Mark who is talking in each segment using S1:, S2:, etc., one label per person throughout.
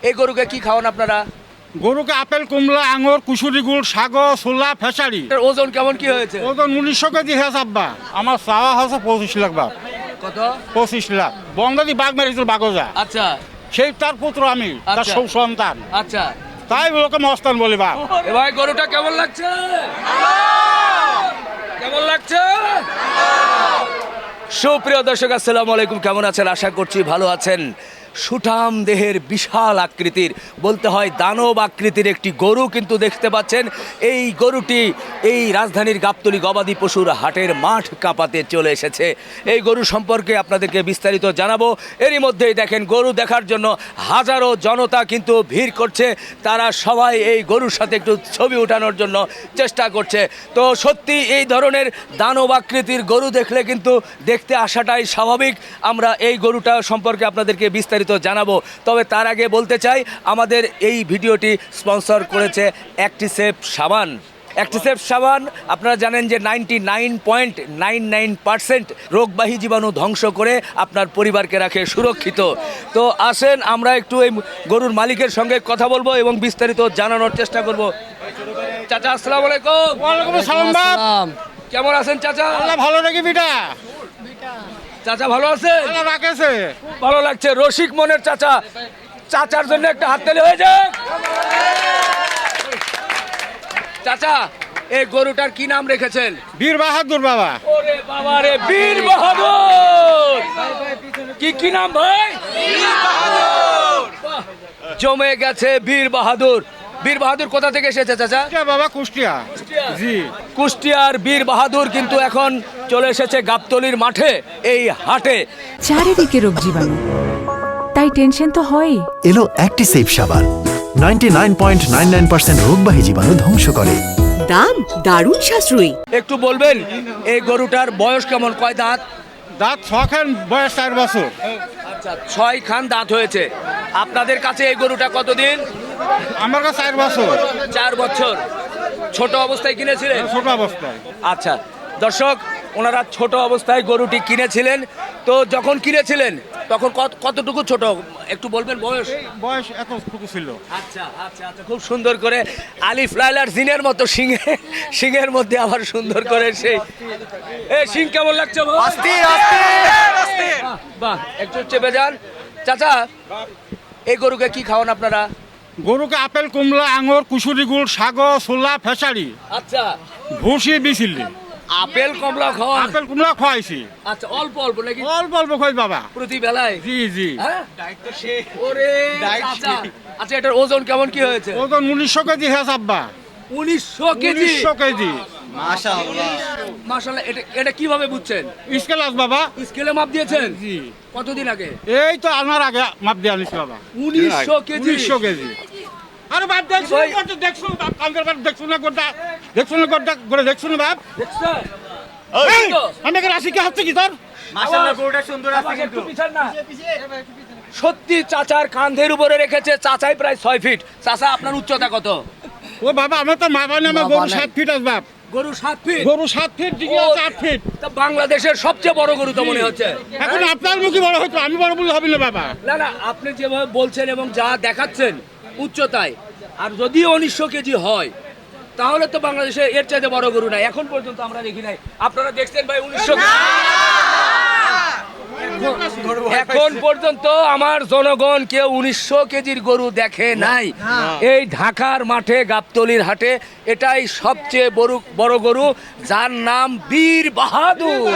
S1: এই গরুকে কি খাওয়ান আপনারা?
S2: গরুকে আপেল, কমলা, আঙুর, কুশুরি গুড়, সাগর, ছোলা, ফেসারি।
S1: এটার ওজন কেমন কি হয়েছে?
S2: ওজন 1900 কেজি হয়েছে আব্বা। আমার চাওয়া হচ্ছে 25 লাখ বাপ।
S1: কত?
S2: 25 লাখ। বঙ্গালী বাঘ মেরেছিল বাগজা,
S1: আচ্ছা
S2: সেই তার পুত্র আমি, তার
S1: আচ্ছা।
S2: সন্তান।
S1: আচ্ছা,
S2: তাই লোকে মস্তান বলি বাপ।
S1: এ ভাই গরুটা কেমন লাগছে? কেমন লাগছে? সুপ্রিয় দর্শক, আসসালামু আলাইকুম। কেমন আছেন? আশা করছি ভালো আছেন। সুঠাম দেহের বিশাল আকৃতির, বলতে হয় দানব আকৃতির একটি গরু কিন্তু দেখতে পাচ্ছেন। এই গরুটি এই রাজধানীর গাবতলী গবাদি পশুর হাটের মাঠ কাঁপাতে চলে এসেছে। এই গরু সম্পর্কে আপনাদেরকে বিস্তারিত জানাবো। এরই মধ্যেই দেখেন গরু দেখার জন্য হাজারো জনতা কিন্তু ভিড় করছে। তারা সবাই এই গরুর সাথে একটু ছবি ওঠানোর জন্য চেষ্টা করছে। তো সত্যি এই ধরনের দানব আকৃতির গরু দেখলে কিন্তু দেখতে আসাটাই স্বাভাবিক। আমরা এই গরুটা সম্পর্কে আপনাদেরকে বিস্তারিত জানাবো। তবে তার আগে বলতে চাই, আমাদের এই ভিডিওটি স্পন্সর করেছে অ্যাক্টিসেপ সাবান। অ্যাক্টিসেপ সাবান আপনারা জানেন যে 99.99% রোগবাহী জীবাণু ধ্বংস করে আপনার পরিবারকে রাখে সুরক্ষিত। তো আসেন আমরা একটু এই গরুর মালিকের সঙ্গে কথা বলবো এবং বিস্তারিত জানানোর চেষ্টা করব। চাচা আসসালামু আলাইকুম।
S2: ওয়ালাইকুম আসসালাম বাপ।
S1: কেমন আছেন চাচা?
S2: আল্লাহ ভালো রেখে বিটা।
S1: চাচা ভালো আছেন?
S2: আল্লাহ রাখেছে।
S1: ভালো লাগছে, রসিক মনের চাচা। চাচার জন্য একটা হাততালি হয়ে যাক। চাচা, এই গরুটার কি নাম রেখেছেন?
S2: বীর বাহাদুর বাবা।
S1: ওরে বাবা রে, বীর বাহাদুর। কি নাম ভাই? বাহ, জমে গেছে বীর বাহাদুর। বীর বাহাদুর কোথা থেকে এসেছে চাচা?
S2: বাবা কুষ্টিয়া। জি।
S1: কুষ্টিয়ার বীর বাহাদুর কিন্তু এখন চলে এসেছে গাবতলীর মাঠে, এই হাটে।
S3: চারিদিকে রোগ জীবাণু, তাই টেনশন তো হয়ই।
S4: এলো অ্যাক্টিসেভ সাবান 99.99% রোগবাহী জীবাণু ধ্বংস করে।
S3: দাম দারুণ সাশ্রয়ী।
S1: একটু বলবেন এই গরুটার বয়স কেমন, কয় দাঁত?
S2: দাঁত 6 খান, বয়স 4 বছর।
S1: আচ্ছা, 6 খান দাঁত হয়েছে। আপনাদের কাছে এই গরুটা কতদিন?
S2: আমার কাছে 4 বছর।
S1: 4 বছর। ছোট অবস্থায় কিনেছিলেন?
S2: ছোট অবস্থায়।
S1: আচ্ছা দর্শক, ওনারা ছোট অবস্থায় গরুটি কিনেছিলেন। তো যখন কিনেছিলেন তখন কতটুকু ছোট একটু বলবেন বয়স?
S2: বয়স এতটুকু ছিল।
S1: আচ্ছা আচ্ছা আচ্ছা, খুব সুন্দর করে আলিফ লাইলার জিনের মতো সিংহের মধ্যে আবার সুন্দর করে সেই সিং কেমন লাগছে ভাই? বাহ, একটু চেপে যান। চাচা, এই গরুকে কি খাওয়ান আপনারা?
S2: গরুকে আপেল, কমলা, আঙুর, কুশুরি গুড়, সাগর, ছোলা, ফেসারি,
S1: আচ্ছা,
S2: ভুসি দিছিলি।
S1: আপেল কমলা খাওয়ান?
S2: আপেল কমলা খাওয়াইছি।
S1: আচ্ছা, অল্প অল্প নাকি?
S2: অল্প অল্প খাই বাবা।
S1: প্রতি বেলায়?
S2: জি জি।
S1: হ্যাঁ? ওরে চাচা, আচ্ছা এটার ওজন কেমন কি হয়েছে?
S2: ওজন 1900 কেজি হয়েছে আব্বা।
S1: 1900 কেজি?
S2: 1900 কেজি।
S1: মাশাআল্লাহ। এটা কিভাবে বুঝছেন?
S2: স্কেলাস বাবা।
S1: স্কেলে মাপ দিয়েছেন?
S2: জি।
S1: কতদিন আগে?
S2: এই তো আনার আগে মাপ দিয়ে আনিস বাবা।
S1: 1900 কেজি?
S2: 1900 কেজি। আরে বাপ দেখছো
S1: ভাই।
S2: না, দেখছো না বাপ, কালকের বাপ দেখছো না গোটা, দেখছো না গোটা করে দেখছো না বাপ।
S1: দেখছেন?
S2: এই, আমি এখানে আসি কি হচ্ছে কি তোর?
S1: মাশাআল্লাহ, গরুটা সুন্দর আছে কিন্তু। সত্যি চাচার কাঁধের উপরে রেখেছে। চাচাই প্রায় 6 ফিট। চাচা, আপনার উচ্চতা কত?
S2: ও বাবা, আমার তো মা বানে আমার গরু 7 ফিট আছে বাপ।
S1: গরু 7 ফিট?
S2: গরু 7 ফিট দিকে আছে 8 ফিট।
S1: তা বাংলাদেশের সবচেয়ে বড় গরু তো মনে হচ্ছে।
S2: এখন আপনার মুখে বড় হয়তো, আমি বড় বলে হবে না বাবা।
S1: না না, আপনি যেভাবে বলছেন এবং যা দেখাচ্ছেন উচ্চতায়, আর যদি 1900 কেজি হয় তাহলে তো বাংলাদেশে এর চাইতে বড় গরু নাই এখন পর্যন্ত আমরা দেখি নাই। আপনারা দেখছেন ভাই 1900? এখন পর্যন্ত আমার জনগণ কেউ 1900 কেজির গরু দেখে নাই। এই ঢাকার মাঠে গাবতলীর হাটে এটাই সবচেয়ে বড় গরু, যার নাম বীর বাহাদুর।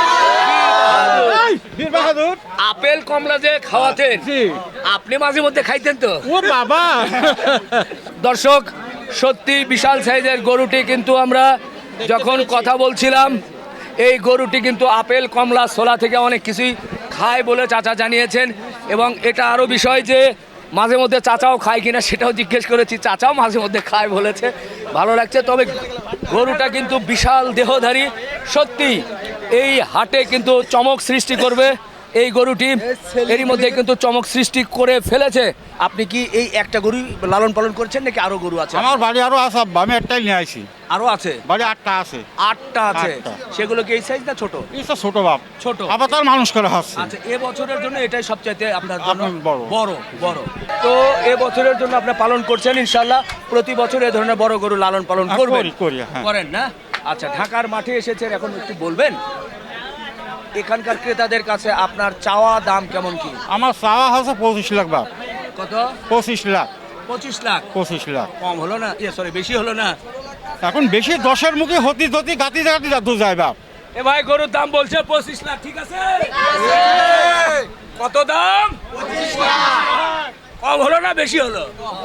S2: বীর বাহাদুর।
S1: আপেল কমলা যে খাওয়াতেন,
S2: জি।
S1: আপনি মাঝে মধ্যে খাইতেন তো?
S2: ও বাবা।
S1: দর্শক, সত্যি বিশাল সাইজের গরুটি কিন্তু আমরা যখন কথা বলছিলাম, এই গরুটি কিন্তু আপেল কমলা ছোলা থেকে অনেক কিছুই খায় বলে চাচা জানিয়েছেন। এবং এটা আরও বিষয় যে মাঝে মধ্যে চাচাও খায় কিনা সেটাও জিজ্ঞেস করেছি, চাচাও মাঝে মধ্যে খায় বলেছে। ভালো লাগছে। তবে গরুটা কিন্তু বিশাল দেহধারী। সত্যি এই হাটে কিন্তু চমক সৃষ্টি করবে। এই গরুটি এরই মধ্যে কিন্তু চমক সৃষ্টি করে ফেলেছে। আপনি কি এই একটা গরু লালন পালন করছেন নাকি আরো গরু আছে?
S2: আমার বাড়ি আরো আছে আব্বা, আমি একটাই নিয়ে আসি।
S1: আরো আছে?
S2: বাড়ি 8টা আছে।
S1: 8টা আছে।
S2: আটটা।
S1: সেগুলো কি এই সাইজ না ছোট?
S2: এই তো ছোট বাপ,
S1: ছোট।
S2: আবার তার মানুষ করা হচ্ছে।
S1: আচ্ছা, এ বছরের জন্য এটাই সবচাইতে আপনার জন্য
S2: আপনার বড়।
S1: বড় বড়। তো এ বছরের জন্য আপনি পালন করছেন ইনশাআল্লাহ, প্রতি বছর এ ধরনের বড় গরু লালন পালন করবেন?
S2: করি, হ্যাঁ।
S1: করেন না? আচ্ছা, ঢাকার মাঠে এসেছেন, এখন একটু বলবেন এখানকার ক্রেতাদের কাছে আপনার চাওয়া দাম কেমন কি?
S2: আমার চাওয়া হচ্ছে 25 লাখ বাপ।
S1: কত?
S2: 25 লাখ।
S1: 25 লাখ?
S2: 25 লাখ
S1: কম হলো না? সরি, বেশি হলো না?
S2: এখন বেশি 10-এর মুখে হতি গাতি যাতে যায় বাপ।
S1: এ ভাই, গরুর দাম বলছে 25 লাখ, ঠিক আছে? কত দাম? 25 লাখ। কম হলো না বেশি হলো?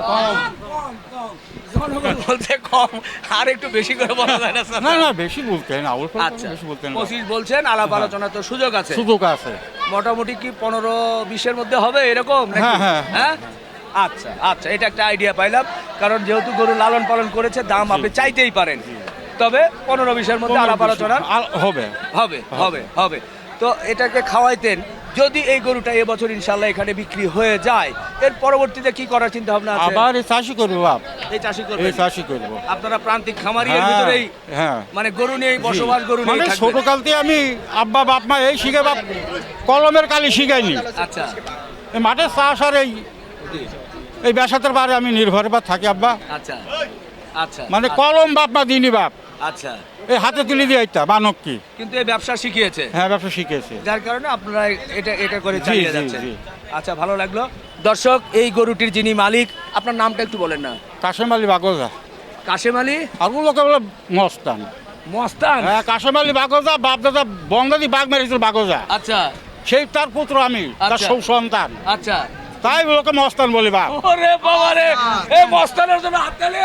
S1: জনগণ বলছে কম, আর একটু বেশি করে বলা যায় না?
S2: না বেশি বলতে না,
S1: আচ্ছা,
S2: বেশি বলতে না।
S1: 25 বলছেন, আলাপ আলোচনা তো সুযোগ আছে।
S2: সুযোগ আছে।
S1: মোটামুটি কি 15-20-এর মধ্যে হবে এরকম নাকি?
S2: হ্যাঁ, হ্যাঁ।
S1: হ্যাঁ, আচ্ছা আচ্ছা, এটা একটা আইডিয়া পাইলাম, কারণ যেহেতু গরু লালন পালন করেছে দাম আপনি চাইতেই পারেন, তবে 15-20-এর মধ্যে আলাপ আলোচনা
S2: হবে।
S1: হবে হবে হবে। তো এটাকে খাওয়াইতেন, যদি এই গরুটা এবছর ইনশাল্লাহ এখানে বিক্রি হয়ে যায়, এর পরবর্তীতে কি করার চিন্তা ভাবনা আছে?
S2: আবার এই চাষি করবো বাপ,
S1: এই চাষি
S2: এই
S1: করবেন?
S2: চাষি করবো।
S1: আপনারা প্রান্তিক খামারি এর
S2: হ্যাঁ,
S1: ভিতরেই,
S2: হ্যাঁ।
S1: মানে গরু নিয়েই বসবাস, গরু
S2: মানে
S1: নিয়েই
S2: ছোট
S1: থাকবেন?
S2: কালতে আমি আব্বা বাপ মা এই শিখে বাপ কলমের কালি শিখাইনি।
S1: আচ্ছা,
S2: এই মাঠের চাষ আর এই ব্যবসাতের বারে আমি নির্ভর বা থাকি আব্বা।
S1: আচ্ছা আচ্ছা,
S2: মানে কলম বাপ মা দিনি বাপ,
S1: আচ্ছা,
S2: এই হাতে তুলে দিয়ে একটা বানক কি।
S1: কিন্তু এই ব্যবসা শিখিয়েছে,
S2: হ্যাঁ, ব্যবসা শিখেছে।
S1: যার কারণে আপনারা এটা করে
S2: জি,
S1: চালিয়ে
S2: জি,
S1: যাচ্ছেন।
S2: জি।
S1: আচ্ছা, ভালো লাগলো। দর্শক, এই গরুটির যিনি মালিক, আপনার নামটা একটু বলেন না?
S2: কাশেম আলী বাগজা।
S1: কাশেম আলী
S2: আর লোকে বলে মস্তান।
S1: মস্তান?
S2: হ্যাঁ, কাশেম আলী বাগজা, বাপ দাদা বঙ্গালী বাঘ মেরেছিল বাগজা,
S1: আচ্ছা
S2: সেই তার পুত্র আমি, তার
S1: আচ্ছা।
S2: সন্তান,
S1: আচ্ছা।
S2: তাই লোকে মস্তান বলি বাপ।
S1: ওরে বাবা রে, এই মস্তানের জন্য হাততালি।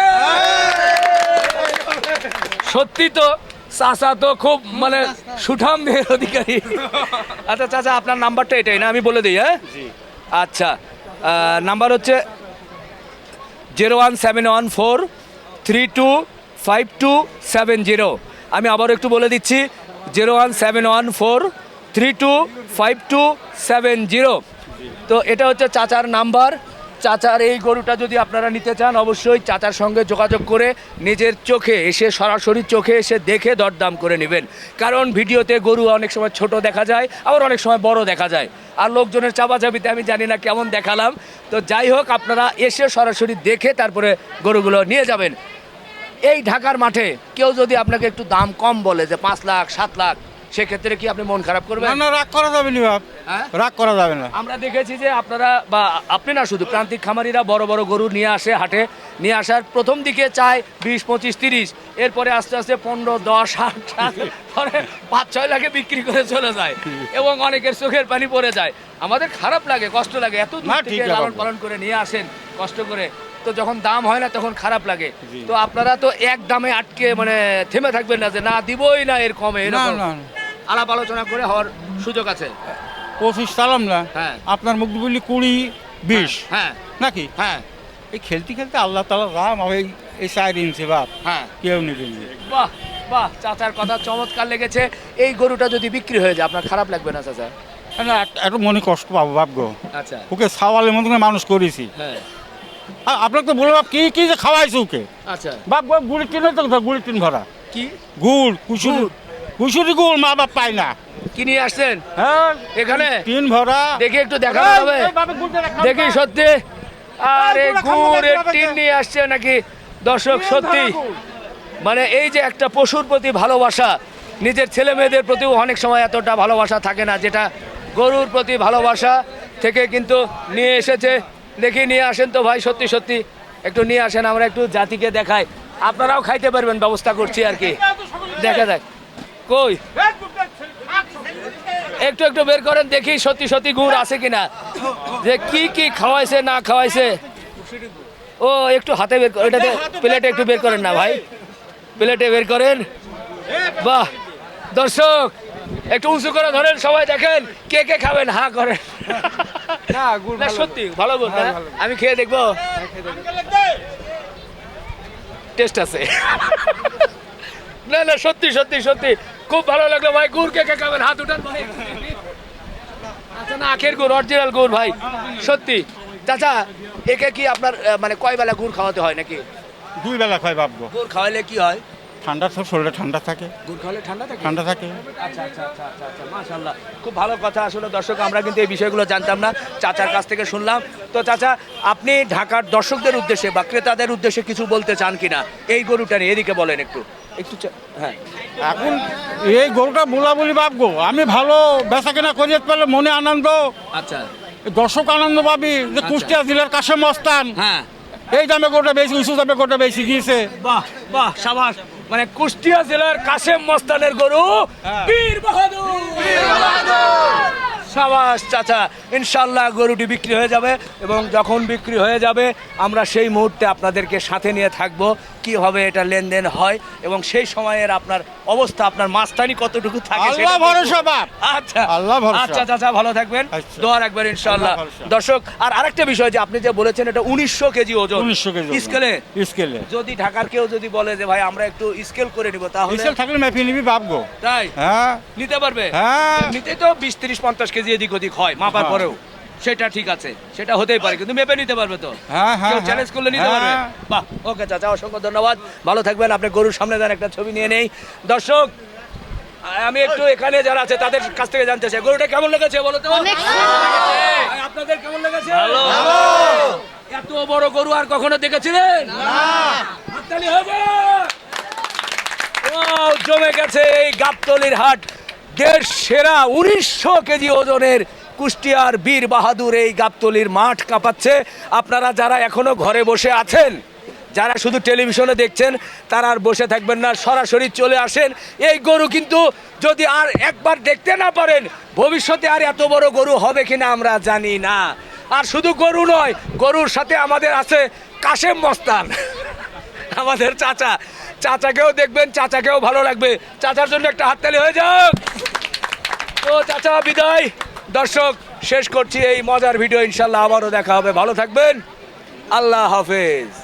S1: সত্যি তো চাচা তো খুব মানে সুঠাম দেহের অধিকারী। আচ্ছা চাচা, আপনার নাম্বারটা এটাই না? আমি বলে দিই। হ্যাঁ, আচ্ছা, নাম্বার হচ্ছে 01714325270। আমি আবার একটু বলে দিচ্ছি, 01714325270। তো এটা হচ্ছে চাচার নাম্বার। চাচার এই গরুটা যদি আপনারা নিতে চান, অবশ্যই চাচার সঙ্গে যোগাযোগ করে নিজের চোখে এসে, সরাসরি চোখে এসে দেখে দরদাম করে নেবেন। কারণ ভিডিওতে গরু অনেক সময় ছোট দেখা যায়, আবার অনেক সময় বড় দেখা যায়, আর লোকজনের চাপাচাপিতে আমি জানি না কেমন দেখালাম। তো যাই হোক, আপনারা এসে সরাসরি দেখে তারপরে গরুগুলো নিয়ে যাবেন। এই ঢাকার মাঠে কেউ যদি আপনাকে একটু দাম কম বলে, যে 5 লাখ 7 লাখ, সেক্ষেত্রে কি আপনি মন খারাপ করবেন?
S2: না, রাগ করা যাবে না বাপ,
S1: হ্যাঁ?
S2: রাগ করা যাবে না।
S1: আমরা দেখেছি যে আপনারা, বা আপনি না, শুধু প্রান্তিক খামারিরা বড় বড় গরু নিয়ে আসে হাটে, নিয়ে আসার প্রথম দিকে চায় 20, 25, 30, এরপরে আস্তে আস্তে 15, 10, 8, পরে 5-6 লাখে বিক্রি করে চলে যায়, এবং অনেকের চোখের পানি পড়ে যায়। আমাদের খারাপ লাগে, কষ্ট লাগে, এত দূর
S2: না,
S1: থেকে
S2: ঠিক আছে
S1: লালন
S2: বাবা।
S1: পালন করে নিয়ে আসেন কষ্ট করে, তো যখন দাম হয় না তখন খারাপ লাগে। তো আপনারা তো এক দামে আটকে মানে থেমে থাকবেন না, যে না দিবই না এর কমে,
S2: না,
S1: এরকম
S2: না,
S1: আলাপ আলোচনা করে হওয়ার সুযোগ আছে।
S2: 25 সালাম না,
S1: হ্যাঁ।
S2: আপনার মুখ বলি 20, 20
S1: হ্যাঁ
S2: নাকি?
S1: হ্যাঁ
S2: এই খেলতে খেলতে আল্লাহ তাআলা রাম এই 4 ইঞ্চি বাপ,
S1: হ্যাঁ।
S2: কেউ নিবে না।
S1: বাহ বাহ, চাচার কথা চমৎকার লেগেছে। এই গরুটা যদি বিক্রি হয়ে যায়, আপনার খারাপ লাগবে না চাচা?
S2: না, একটু মনে কষ্ট পাবো বাপ গো,
S1: আচ্ছা,
S2: ওকে সাওয়ালের মতো করে মানুষ করেছি।
S1: হ্যাঁ,
S2: আপনাকে তো বলে বাপ কি কি যে খাওয়াইছে ওকে
S1: আচ্ছা।
S2: বাপ, গুড়ি টিন তো গুড়ি টিন ভরা
S1: কি
S2: গুড়, কুসুরি গুড় মা বাপ পায় না।
S1: কি নিয়ে আসছেন
S2: হ্যাঁ,
S1: এখানে?
S2: টিন ভরা।
S1: দেখি একটু দেখানো যাবে? দেখি সত্যি, আরে গুড়ের টিন নিয়ে আসছে নাকি? দর্শক, সত্যি মানে এই যে একটা পশুর প্রতি ভালোবাসা, নিজের ছেলে মেয়েদের প্রতিও অনেক সময় এতটা ভালোবাসা থাকে না, যেটা গরুর প্রতি ভালোবাসা থেকে কিন্তু নিয়ে এসেছে। দেখি, নিয়ে আসেন তো ভাই, সত্যি সত্যি একটু নিয়ে আসেন, আমরা একটু জাতিকে দেখাই, আপনারাও খাইতে পারবেন, ব্যবস্থা করছি আর কি। দেখা যাক, কই একটু একটু বের করেন দেখি সত্যি সত্যি গুড় আছে কিনা, যে কি কি খাওয়াইছে না খাওয়াইছে। ও একটু হাতে বের করে, এটাতে প্লেটে একটু বের করেন না ভাই, প্লেটে বের করেন। বাহ, দর্শক একটু উঁচু করে ধরেন, সবাই দেখেন কে কে খাবেন, হা করেন। না সত্যি ভালো গুড় না? আমি খেয়ে দেখবো, টেস্ট আছে। না না, সত্যি সত্যি সত্যি খুব ভালো লাগলো ভাই। গুড় কে কে খাবেন, হাত উঠান ভাই। আচ্ছা না আখের গুড় অরিজিনাল গুড় ভাই সত্যি চাচা একে কি আপনার মানে কয় বেলা গুড় খাওয়াতে হয় নাকি
S2: 2 বেলা খাই বাবগো।
S1: গুড় খাওয়াইলে কি হয়
S2: ঠান্ডা তো শরীরে ঠান্ডা থাকে।
S1: গুড় খাওয়ালে ঠান্ডা থাকে
S2: ঠান্ডা থাকে।
S1: আচ্ছা আচ্ছা আচ্ছা আচ্ছা আচ্ছা মাশাআল্লাহ খুব ভালো কথা আসলে দর্শক আমরা কিন্তু এই বিষয়গুলো জানতাম না চাচার কাছ থেকে শুনলাম তো চাচা আপনি ঢাকার দর্শকদের উদ্দেশ্যে বা ক্রেতাদের উদ্দেশ্যে কিছু বলতে চান কিনা এই গরুটা নিয়ে এদিকে বলেন একটু একটু হ্যাঁ
S2: এখন এই গরুটা বলি বাবগো, আমি ভালো বেচা কেনা করিয়ে পেলে মনে আনন্দ,
S1: আচ্ছা
S2: দর্শক আনন্দ পাবি যে কুষ্টিয়া জেলার কাশেম মস্তান
S1: হ্যাঁ
S2: এই দামে গরুটা বেশি উঁচু দামে গরুটা বেশি গিয়েছে।
S1: বাহ বাহ সাবাস মানে কুষ্টিয়া জেলার কাশেম মস্তানের গরু বীর বাহাদুর সাবাস চাচা ইনশাল্লাহ গরুটি বিক্রি হয়ে যাবে এবং যখন বিক্রি হয়ে যাবে আমরা সেই মুহূর্তে আপনাদেরকে সাথে নিয়ে থাকব কিভাবে এটা লেনদেন হয় এবং সেই সময়ের আপনার অবস্থা আপনার মাস্তানি কতটুকু থাকে
S2: আল্লাহ
S1: সেটা
S2: ভরসা বাপ।
S1: আচ্ছা
S2: আল্লাহ ভরসা।
S1: আচ্ছা চাচা ভালো থাকবেন
S2: আচ্ছা।
S1: দোয়া রাখবেন ইনশাআল্লাহ
S2: আল্লাহ ভরসা।
S1: দর্শক আর আরেকটা বিষয় যে আপনি যে বলেছেন এটা 1900 কেজি ওজন
S2: 1900 কেজি ওজন।
S1: স্কেলে
S2: স্কেলে
S1: যদি ঢাকার কেউ যদি বলে যে ভাই আমরা একটু স্কেল করে নিব তাহলে
S2: স্কেল থাকলে মেপে নিবি বাবগো।
S1: তাই
S2: হ্যাঁ
S1: নিতে পারবে
S2: হ্যাঁ।
S1: নিতে তো 20-30-50 কেজি এদিক ওদিক হয় মাপার
S2: হ্যাঁ।
S1: পরেও সেটা ঠিক আছে সেটা হতেই পারে কিন্তু মেপে নিতে পারবে তো
S2: হ্যাঁ, হ্যাঁ,
S1: কেউ
S2: হ্যাঁ।
S1: চ্যালেঞ্জ করলে নিতে পারবে
S2: হ্যাঁ।
S1: বাহ ওকে চাচা অসংখ্য ধন্যবাদ ভালো থাকবেন আপনি গরুর সামনে দেন একটা ছবি নিয়ে নেই দর্শক আমি একটু এখানে যারা আছে তাদের কাছ থেকে জানতে চাই গরুটা কেমন লেগেছে বলো তো ভাই, আপনাদের কেমন লেগেছে ভালো এত বড় গরু আর কখনো দেখেছিলেন না হাততালি হয়ে যাক। ওয়াও, জমে গেছে এই গাবতলির হাট দেশ সেরা 1900 কেজি ওজনের কুষ্টিয়ার বীর বাহাদুর এই গাবতলির মাঠ কাঁপাচ্ছে আপনারা যারা এখনো ঘরে বসে আছেন যারা শুধু টেলিভিশনে দেখছেন তারা আর বসে থাকবেন না সরাসরি চলে আসেন এই গরু কিন্তু যদি আর একবার দেখতে না পারেন ভবিষ্যতে আর এত বড় গরু হবে কিনা আমরা জানি না আর শুধু গরু নয় গরুর সাথে আমাদের আছে কাশেম মস্তান আমাদের চাচা চাচাকেও দেখবেন চাচাকেও ভালো লাগবে চাচার জন্য একটা হাততালি হয়ে যাক তো চাচা বিদায় দর্শক শেষ করছি এই মজার ভিডিও ইনশাল্লাহ আবারও দেখা হবে ভালো থাকবেন আল্লাহ হাফেজ